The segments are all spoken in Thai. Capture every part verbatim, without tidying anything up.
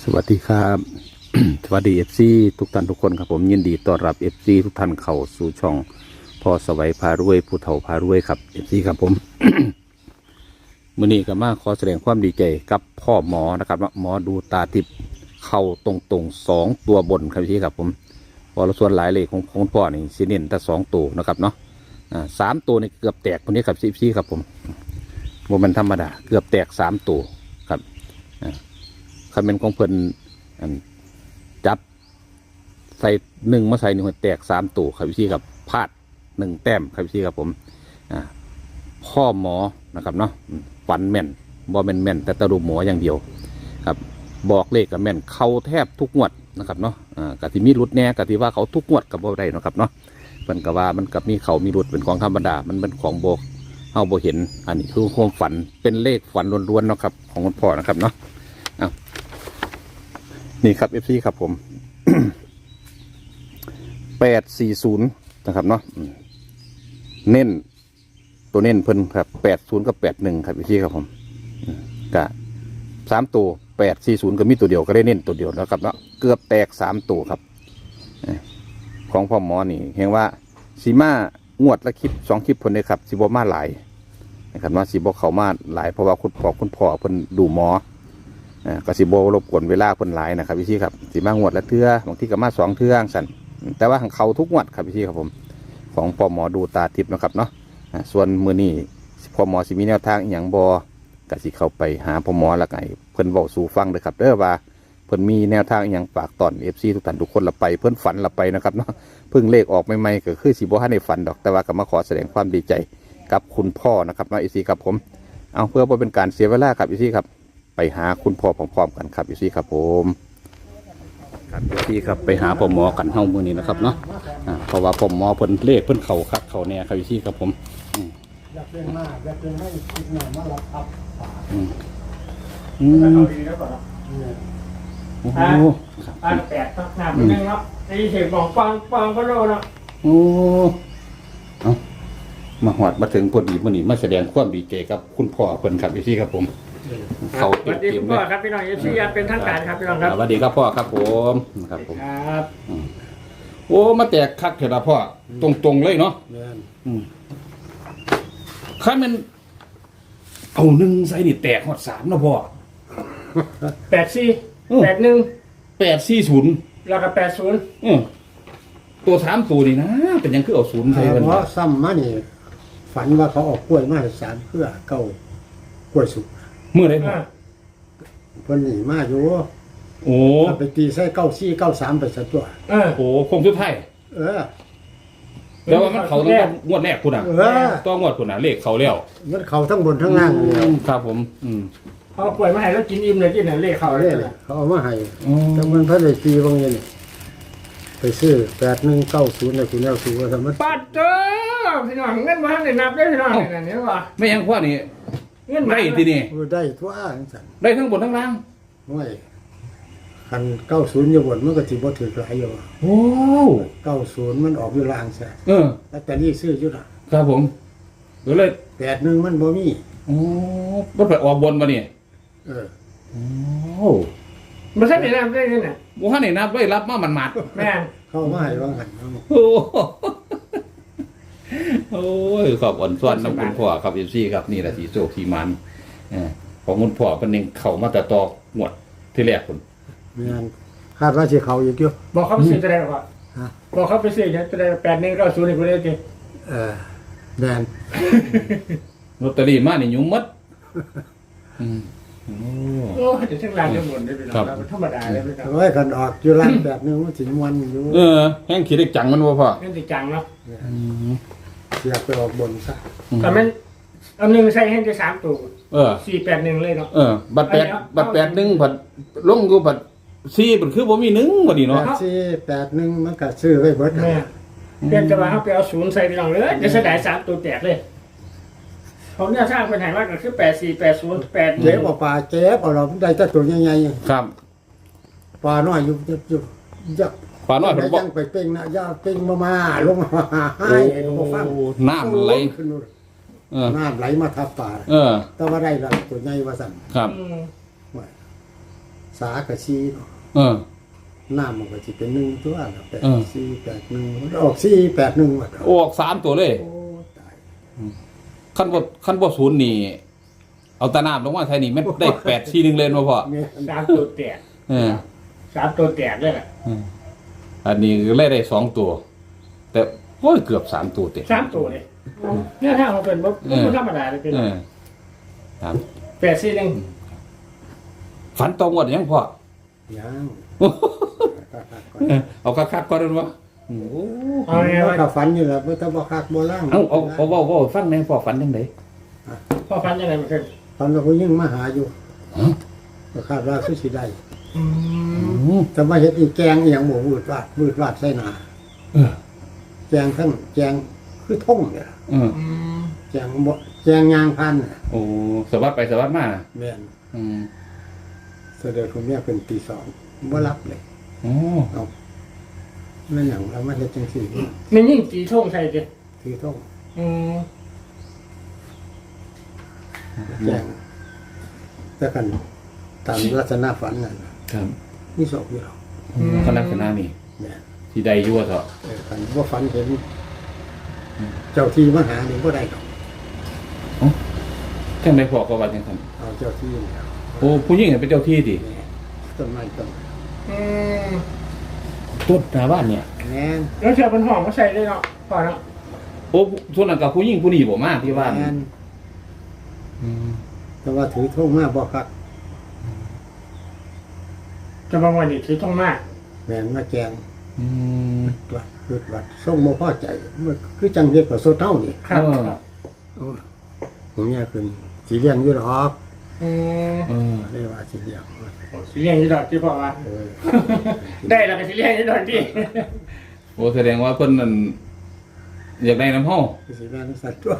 สวัสดีครับ สวัสดีเอฟซีทุกท่านทุกคนครับผมยินดีต้อนรับเอฟซีทุกท่านเข้าสู่ช่องพ่อสวัยพารวยผู้เฒ่าพารวยครับเอฟซีครับผม มื้อนี้ก็มาขอแสดงความดีใจกับพ่อหมอนะครับหมอดูตาทิพย์เข้าตรงๆสองตัวบนครับพี่ครับผมพอเราส่วนหลายเลขของของพ่อนี่สิเน้นแต่สองตัวนะครับเนาะอ่าสามตัวนี่เกือบแตกคนนี้ครับเอฟซีครับผมว่ามันธรรมดาเกือบแตกสามตัวครับอ่าคำเป็นของเพิ่นจับใส่หนึ่งมาใส่หนึ่งแตกสามตัวครับพี่ครับพลาดหนึ่งแต้มครับพี่ครับผมอ่าพ่อหมอนะครับเนาะฝันแม่นบอแม่นแม่นแต่ตะลุหมออย่างเดียวครับบอกเลขกับแม่นเขาแทบทุกงวดนะครับเนาะอ่ากะที่มีรุดแน่กะที่ว่าเขาทุกงวดกับบ่ได้นะครับเนาะมันก็ว่ามันกับมีเขามีรุดเป็นของธรรมดามันเป็นของโบกเฮาบ่เห็นอันนี้คือความฝันเป็นเลขฝันล้วนๆเนาะครับของคุณพ่อนะครับเนาะอ้าวนี่ครับ เอฟ ซี ครับผม แปดสี่ศูนย์นะครับเนาะเน้นตัวเน้นเพิ่นครับแปดศูนย์กับแปดหนึ่งครับ เอฟ ซี ครับผมกะสามตัวแปดสี่ศูนย์ก็มีตัวเดียวก็ได้เน้นตัวเดียวแล้วครับเนาะเกือบแตกสามตัวครับของพ่อหมอนี่เห็นว่าสีมางวดละคลิปสองคลิปเพิ่นเลยครับสีบมาหลายนะครับว่าสีบเขามาหลายเพราะว่าคุณพ่อคุณพ่อเพิ่นดูหมออ่ากสิโบรบกวนเวลาเพิ่นหลายนะครับพี่ชีครับสีมางวดละเทื่อบางที่ก็มาสองเทื่อสั่นแต่ว่าของเขาทุกงวดครับพี่ชีครับผมของพ่อหมอดูตาทิพย์นะครับเนาะส่วนมือนี้พ่อหมอสิมีแนวทางอย่างบอกสิเข้าไปหาพ่อหมอละไงเพิ่นบอกสู่ฟังเลยครับเด้อว่าเพิ่นมีแนวทางอย่างฝากตอนเอฟซีทุกท่านทุกคนละไปเพิ่นฝันละไปนะครับเนาะเพิ่งเลขออกใหม่ๆก็คือสิบ่ให้ในฝันดอกแต่ว่าก็มาขอแสดงความดีใจกับคุณพ่อนะครับเนาะเอฟซีครับผมเอาเพื่อบ่เป็นการเสียเวลาครับเอฟซีครับไปหาคุณพ่อพร้อมๆกันครับเอฟซีครับผมครับเอฟซีครับไปหาพ่อหมอกันเฮามื้อนี้นะครับเนาะอ่าเพราะว่าพ่อหมอเพิ่นเลขเพิ่นเข้าคักเข้าแน่ครับเอฟซีครับผมอยากเล่นมากอยากเล่นให้คิดหน่อยมารับอัพฝาอืมอืมเอาดีแล้วก่อนเนาะเนี่ยโอ้โหครับอ่าแปดตักน้ำนิดนึงเนาะตีเสียงบอกฟังฟังก็โดนเนาะโอ้เอามาหอดมาถึงพอดีมื่อนี้มาแสดงความดีใจกับคุณพ่อเพิ่นครับพี่ครับผมเขาสเต็วัมสดีเต็คุมณเลพ่อย ครับพี่น้องเอฟซีเป็นทางการครับพี่น้องครับสวัสดีครับพ่อครับผมครับผมครับโอ้มาแตกคักเถอะนะพ่อตรงๆเลยเนาะเนี่ยข้ามันเอาหนึ่งใส่นี่แตกหอดสามนะพ่อแปดสี่แปดหนึ่งแปดสี่ศูนย์แล้วก็แปดศูนย์ตัวสามตัวนี่นะเป็นยังคือเอาศูนย์ใส่กันเพราะซ้ำมานี่ฝันว่าเขาออกกล้วยมาให้สารเพื่อเก้ากล้วยสุกเมื่อไรพ่อเพิ่นหนีมาอยู่โอ้เอาไปตีใส่เก้าสี่เก้าสามไปสักตัวเออโหคงสุดท้ายเออแล้วว่ามันเขาต้องงวดแรกคุณอ่ะเออต้องงวดคุณอ่ะเลขเขาแล้วมันเขาทั้งบนทั้งล่างเลยครับผม อืมเขาป่วยมาให้แล้วกินอิ่มเลยกินเนี่ยเลขเขาเขาเลเรียยกเขาเอามาให้แต่มันเพิ่นได้ตีบางอย่างนี่ไปซื้อแปดหนึ่งเก้าศูนย์ในคุณแนวสูงว่าทำมันปัดเจ้าพี่น้องเงินมาให้นับได้พี่น้องเนี่ยเนี่ยว่าไม่ยังพ่อนี่เงินมาได้ทีนี่ได้ทั่วจังซั่นได้ทั้งบนทั้งล่างไม่คันเก้าศูนย์อยู่บนมันก็สิบ่ถือหลายอยู่โอ้เก้าศูนย์มันออกอยู่ล่างซะเออแต่นี่ซื้ออยู่ล่ะครับผมเดี๋ยวเลยแปดหนึ่งมันบ่มีโอ้มันไปออกบนมาเนี่ยเออโอ้ไม่ใช่เป็นน้ำได้เงินน่ะโหให้นับไว้รับมามันหมัดแม่นเข้ามาให้วางหันเอาโอ้โอ้ยขอบอ่อนส่วนน้ำคุณพ่อครับเอฟซีครับนี่แหละสีโศกสีมันเออของคุณพ่อเป็นเองเข้ามาแต่ตอกหมวดที่แรกคุณแม่นคาดว่าสิเขาอีกอยู่บอกเขาไปซื้อจะได้หรอวะฮะบอกเขาไปซื้อจะได้แปดหนึ่งเก้าศูนย์นี่กูได้จริงเออแม่นลอตเตอรี่มานี่ยุ่งมัดอืมโอ้โอ้เดี๋ยวทั้งร้านทั้งหมดได้พี่น้องธรรมดาเลยพี่น้องโอ้ยคันออกอยู่ล่างแบบนึงมันสิม่วนอยู่เออแห้งขีดเล็กจังมันบ่พ่อเงินติดจังเนาะเสียไปออกบนซะแต่มันเอาหนึ่งใส่ให้ได้สามตัวเออสี่แปดหนึ่งเลยเนาะเออ บัตรแปดบัตรแปดหนึ่งบัตรลงอยู่บัตรสี่บัตรคือบ่มีหนึ่งบ่ดีแปเนาะดสี่แปดหนึ่งมันก็ซื้อไว้เบิดแม่เปลี่ยนจะมาเขาไปเอาศูนย์ใส่พี่น้องเลยจะเสียดายสามตัวแตกเลยผมเนี่ยสร้างเป็นไหนมากก็คือแปดสี่แปดศูนย์แปดเจ็บเอาปลาเจ็บเอาเราได้แต่ตัวใหญ่ครับๆปลาน้อยอยู่อยู่ยักป่าน้อยเพิ่นบ่ยังไปเป่งนะอย่าเป่งมามาลงมาให้บ่ฟังน้ำไหลขึ้นนู่นเออน้ำไหลมาทับปลาเออแต่ว่าได้ละตัวใหญ่ว่าสั่นครับอืมว่าสสากับซีเนาะเออน้ำมันก็จะเป็นหนึ่งตัวละแปดเออสี่แปดหนึ่งมันออกสี่แปดหนึ่งหมดออกสามตัวเลยโอ้ตายขั้นบ่ขั้นบ่ศูนย์นี่ เอาตะน้ำลงมาไทยนี่มันได้แปดสี่หนึ่งเลยมาพ่อเนี่ยสามตัวแตกเออสามตัวแตกเลยแหละอันนี้ก็เลยได้สองตัว แต่โอ้ยเกือบสามตัวเต็มสามตัวเลยเนี่ยถ้ามันเป็นบ่บ่ธรรมดาเลยเป็นเออครับแปดสี่หนึ่งฝันตรงหมดยังพ่อยังเอาคักๆก่อนได้บ่โอ้เอาไงแล้ววะก็ฝันอยู่แล้วบ่ต้องบ่คักบ่ล่างเอาเอาเอาเว้าเว้าฟังแหน่พ่อฝันจังได๋พ่อฟันยังไงมันขึ้นฝันว่าผู้หญิงมาหาอยู่ก็คาดว่าคือสิได้อืมแต่มาเฮ็ดอีแกงอีหยังบ่วืดวาดวืดวาดใส่หน้าเออแกงทั้งแกงคือท่งเนี่ยเอออืมแกงบ่แกงยางพันน่ะโอ้สวัสดไปสวัสดมาแม่นอืมเสด็จผมเนี่ยเป็นตีสองบ่รับเลยโอ้เอานั่นหยังเรามาเฮ็ดจังซี่มันยิ่งจีท่งใส่ดิถือท่งอืมแกงแต่กันตามลักษณะฝันนั่นน่ะครับมีศพอยู่หรอกคณะคณะนี่แม่นที่ใดอยู่ว่าเถอะเออคันบ่ฝันเห็นเจ้าที่มาหานี่บ่ได้ดอกจังได๋พ่อก็ว่าจังซั่นเอาเจ้าที่นี่เอาโอ้ผู้หญิงเป็นเจ้าที่ดิแม่ต้นไม้ต้นอืมต้นหน้าบ้านเนี่ยแม่นแล้วเชื่อเป็นหอมก็ใส่ได้เนาะพอเนาะโอ้ส่วนนั้นกับผู้หญิงผู้นี้บ่มาที่บ้านแม่นอืมแต่ว่าถือท่งมาบ่คักจะบางวันนี่ถือท่งมากแม่นมาแกงอืมวัดคือวัดส่งบ่พอใจมันคือจังเฮ็ดกับโซเท่านี่ครับเออครับโอ้ผมเนี่ยคือสิเลี้ยงอยู่ดอกอืมเออเรียกว่าสิเลี้ยงสิเลี้ยงยี่ดอกที่พ่อว่าเออได้แล้วก็สิเลี้ยงยี่ดอกที่โอ้แสดงว่าเพิ่นนั่นอยากได้น้ำเฮาคือสิเลี้ยงสัตว์ตัว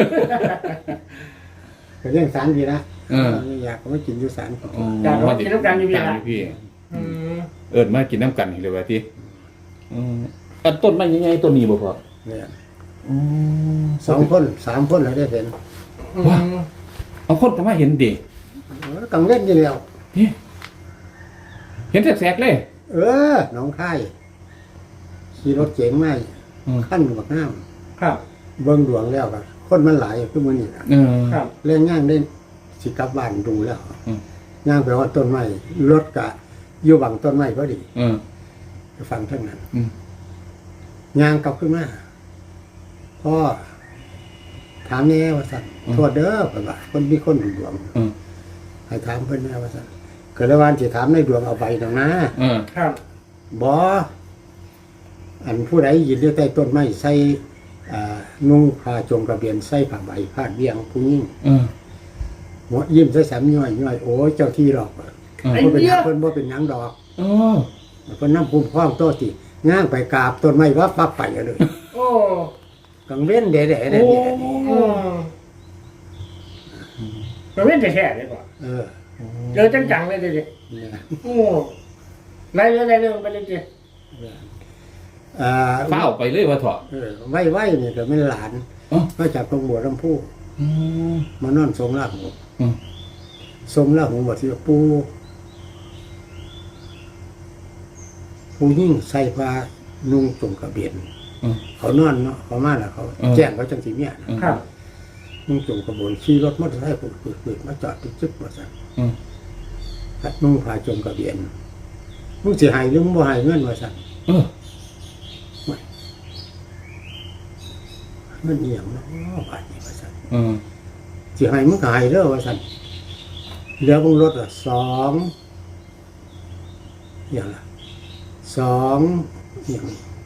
ก็เลี้ยงสารดีนะเอออยากก็ไม่กินอยู่สารอ๋ออยากเอากินน้ำกันอยู่พี่ตามละอยู่พี่อืมเอิ้นมากินน้ำกันนี่เลยว่าติอืมอันต้นไม้ใหญ่ๆต้นนี้บ่พ่อเนี่ยอืมสองคนสามคนเราได้เห็นอืมเอาคนก็มาเห็นดิเออกังเล่นอยู่แล้วนี่เห็นแสกๆเลยเออน้องค่ายขี่รถเก๋งมาอืมขั้นบักน้ครับำเบิ่งดวงแล้วก็คนมันหลายคือมื้อนี้นะเออครับเล่นย่างได้สิกลับบ้านดูแล้วอืมย่างไปว่าต้นไม้รถกะอยู่บังต้นไม้พอดีเออไปฟังทั้งนั้นอืมย่างกลับขึ้นมาพ่อถามแน่ว่าสั่นโทษเด้อเพิ่นว่าคนมีคนดูดวงอืมให้ถามเพิ่นแน่ว่าสั่นก็เลยว่าสิถามในดวงเอาไปดอกนะเออครับบ่อันผู้ใดยืนอยู่ใต้ต้นไม้ใส่อ่านุ่งผ้าจงกระเบียนใส่ผ้าใบพาดเบี้ยงผู้หญิงเออหัวยิ้มใส่สามย่อยย่อยโอ้ยเจ้าที่หรอกเออเพิ่นเป็นหยังเพิ่นบ่เป็นหยังดอกเออเพิ่นนำภูมิพ้องโตติย่างไปกราบต้นไม้ว่าปั๊บไปเลยโอ้กังเว้นเดะเดะเดะโอ้เดะอืมมันไม่ได้แค่เลยป่ะเออเจอจังๆเลยดิเนี่ยโอ้ไล่เรื่องไล่เรื่องไปเลยดิอ่าเฝ้าไปเลยว่าเถอะเออไว้ไว้นี่ก็ไม่หลานอ๋อมาจากตรงบัวลำพูอืมมานอนทรงลาหูอืมทรงลาหูบอกสิปูปูยิ่งใส่ผ้านุ่งจงกระเบียนอืมเขานอนเนาะเขามาแล้วเขาเออแจ้งเขาจังสีเมียนะครับนุ่งจงกระเบนขี่รถมอเตอร์ไซค์ปืดปืดๆๆมาจอดติดจึ๊กมาสั่นอืมนุ่งผ้าจงกระเบียนมึงสิใหายหรือมึงบ่ใหายเงินมาสั่นเออเงินเอียงเนาะบาทนี้มาสั่นเออสิใหายมึงก็ใหายเด้อว่าสั่นเหลือมึงรถละสองอย่างละสองอย่าง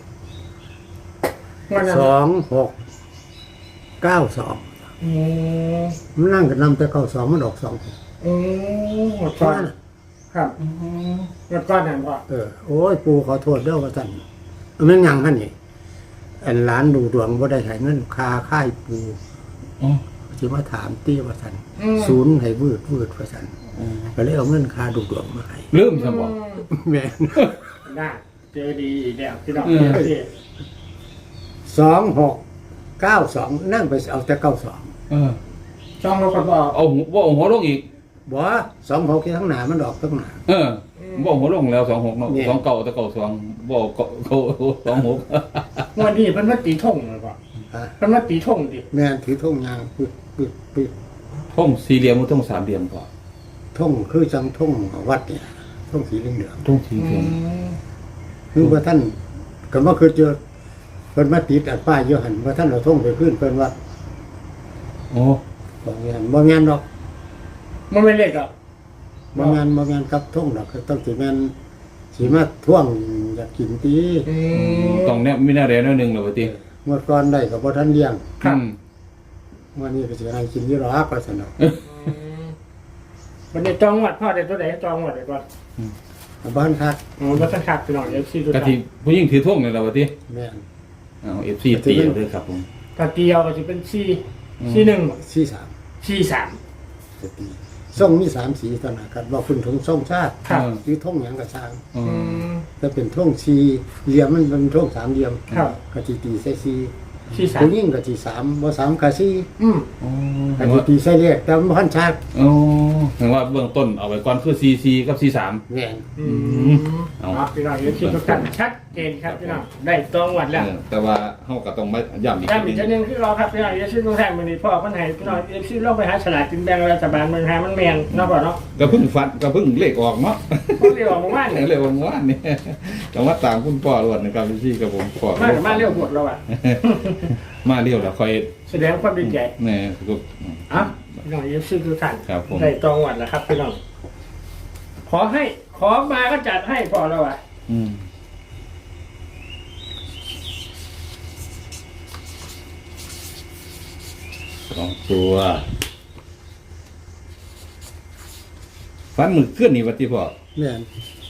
วันนั้นสองหกเก้าสองอืมมันนั่งกันนำแต่เก้าสองมันออกสองอืมหมดก้อนครับหมดก้อนนั่นพ่อเออโอ้ยปูขอโทษเด้อว่าสั่นเอามันยังหั่นนี่อันหลานดูดวงบ่ได้ให้เงินคาค่ายปูอ๋อสิมาถามตี้ว่าสั่นอืมศูนย์ให้วืดวืดว่าสั่นอืมก็เลยเอาเงินคาดูดวงมาให้ลืมซะบ่แม่นได้เจอดีอีกแล้วพี่น้องอืมพี่สองหกเก้าสองนั่งไปเอาแต่เก้าสองเออช่องเราคนบอกเอาหัวบ่เอาหัวลงอีกบบ่สองหกที่ทั้งหนามันออกทั้งหนาเออบอกหัวลงแล้วสองหกเนาะเนี่ยสองเก่าแต่เก่าสองบอกเก่าเก่าสองหกงวันนี้เพิ่นมาตีท่งเลยป่ะฮะเพิ่นมาตีท่งดิแม่นถือท่งยางปึ๊บปึ๊บปึ๊บท่งสี่เหลี่ยมหรือท่งสามเหลี่ยมก่อนท่งคือจังท่งวัดเนี่ยท่งสีเหลืองท่งสี่เหลี่ยมๆคือว่าท่านก็บ่คือเจอเพิ่นมาติดอันป้ายอยู่หั่นว่าท่านเอาท่งไปขึ้นเพิ่นว่าโอ้บ่แม่นบ่แม่นดอกมันไม่เล็กอ่ะบ่แม่นบ่แม่นกับท่งดอกคือต้องสิแม่นสิมาท่วงอยากกินตีอืมตรงเนี้ยมีหน้าแดงหน้าหนึ่งเหรอวะทีเมื่อก่อนได้ก็บ่ทันเลี้ยงครับอืมวันนี้ก็สิให้กินอยู่หรอกว่าซั่นดอกวันนี้จองวัดพ่อเด็ดตัวไหนจองวัดเด็ดก่อนบ้านคักอ๋อแล้วสังขัดพี่น้องเอฟซีตัวกะไหนทิผู้หญิงถือท่งเลยเหรอวะทีแม่นเอาเอฟซีตีเอาเลยครับผมตะเกียวก็จะเป็นซีซีหนึ่งสี่สามซีสามจะตีส่งมีสามสีตอนนั้นกันว่าคุณถุงส่งชาติครับหรือท่งหยังกระช่างอือืมมถ้าเป็นท่งสีเหลี่ยมมันเป็นท่งสามเหลี่ยมครับกะจีตีใส่สีซีสามผู้ยิ่งกะจีสามบ่สามกะสีอืมโอ้กะเห็นจีว่าตีใส่เลขแต่มันพันชาติโอ้เห็นว่าเบื้องต้นเอาไว้ก่อนคือซีซีกับซีสามแม่นอืมเอาเอาพี่น้องเอฟซีทุกท่านชัดเจนครับพี่น้องได้จองวัดแล้วแต่ว่าเขาก็ต้องมาย้ำอีกย้ำทีอีกหทีนึงหนึงที่เราครับพี่น้องเอฟซีทุกท่านวันนี้พ่อพันไหพี่น้องเอฟซีลองไปหาฉลากกินแบ่งรัฐบาลเมืองไทยมันแมนเนาะพ่อเนาะก็เพิ่งฟันก็เพิ่งเลขออกเนาะเพราะเรียกว่าหมู่บ้านเนี่ยเร็วเมื่อวานนี่แต่ว่าตามคุณพ่อรวดนะครับพี่กับผมพ่อมากับมาเรียวหมดแล้วอ่ะมาเรียวแล้วคอยแสดงความดีใจแน่ก็อ่ะพี่น้องเอฟซีทุกท่านครับผมได้จองวัดแล้วครับพี่น้องขอให้ขอมาก็จัดให้พอแล้วอ่ะอืมสองตัวฟันมือเคลื่อนนี่วัติพ่อแม่น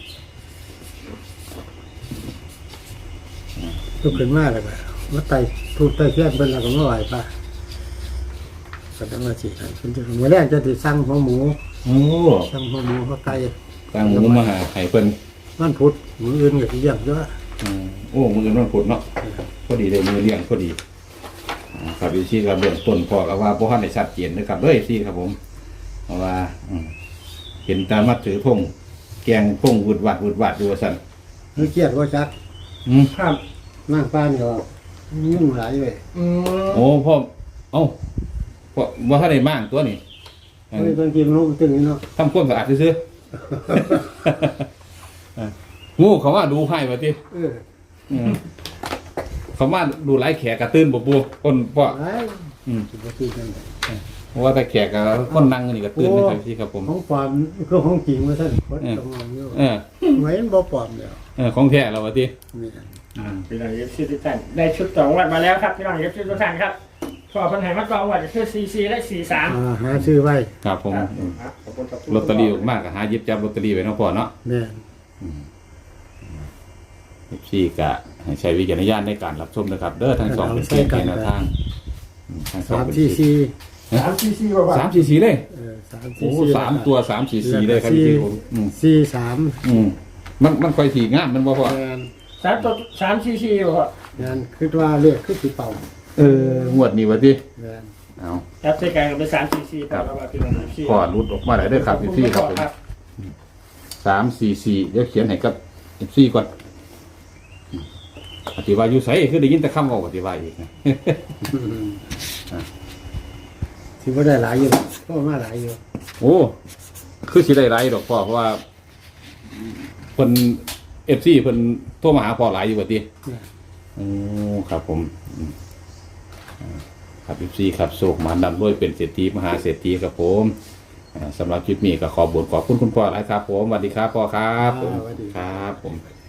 ลุกขึ้นมาแล้วก็มาไต่ทูบไต่เทียนเพิ่นแล้วก็มาไหว้พระก็ต้องมาสิให้เพิ่นจะมื้อแรกจะสิสั่งหัวหมูโอ้สั่งหัวหมูหัวไก่ตั้งหมูมาหาไข่เพิ่นมันพุธมื้ออื่นก็สิเลี้ยงเยอะอืมโอ้มือนั่นผลเนาะพอดีเลยมือเลี้ยงพอดีอ่าครับพี่ซี่ครับเบื้องต้นพ่อก็ว่าพ่อท่านได้ชัดเจนนะครับเด้อซี่ครับผมเพราะว่าอืมเห็นตามมัดถือพงแกงพงวุดวัดวุดวัดดูว่าสั่นมันเครียดว่าจักอืมครับนั่งป้านก็ยุ่งหลายเว้ยอืมโอ้พ่อเอ้าพ่อว่าท่านได้มั่งตัวนี้เฮ้ยบางทีมันลงตึงนี่เนาะทำความสะอาดซื้อๆ อ่างูเขาว่าดูให้มาทีเออเขามาดูไล่แขกกระตื้นบ่ปูคนพ่อไอ้อืมสิบ่ตื่นจังได๋เพราะว่าแต่แขกกับคนนั่งนี่ก็ตื่นนะครับพี่ครับผมของปลอมคือของจริงว่าซั่นคนต้องมองอยู่เออไว้มันบ่ปลอมแล้วเออของแท้เราว่าทีนี่พี่น้องเอฟซีทุกท่านได้ชุดจองวัดมาแล้วครับพี่น้องเอฟซีทุกท่านครับพอพันไหมาจองวัดคือซีซีและสี่สามอ่าหาซื้อไว้ครับผมขอบคุณขอบคุณลอตเตอรี่ออกมากก็หาหยิบจับลอตเตอรี่ไว้เนาะพ่อเนาะแม่นพี่กะให้ใช้วิจารณญาณในการรับชมนะครับ เด้อทั้งสองเป็นเพียงแค่แนวทางอืมทั้งสองสามเป็นสี่สี่สามซีซีกว่าสามสี่สี่เลยเออสามโอ้สี่สี่สามตัวสามสี่สี่เลยครับพี่ผมอืมสี่สามอืมมันมันค่อยสีงามมันบ่พ่อแม่นสามตัวสามซีซีกว่าแม่นคิดว่าเลขคือสิเป่าเอองวดนี้วะทีแม่นเอาครับใช้การเป็นสามซีซีต่อแล้วว่าพี่น้องเอฟซีพ่อรุดออกมาได้เด้อครับพี่ครับผมสามสี่สี่เดี๋ยวเขียนให้กับพี่ก่อนอธิบายอยู่ไสคือได้ยินแต่คำออกอธิบายอีกนะสิบ่ได้หลายอยู่ก็มาหลายอยู่โอ้คือสิได้ไรดอกพ่อเพราะว่าเพิ่นเอฟซีเพิ่นโทรมาหาพ่อหลายอยู่ว่าติโอ้ครับผมอืมอ่าครับเอฟซีครับโศกมานำด้วยเป็นเศรษฐีมหาเศรษฐีครับผมอ่าสำหรับคลิปนี้ก็ขอบุญขอบคุณคุณพ่อหลายครับผมสวัสดีครับพ่อครับผมครับผม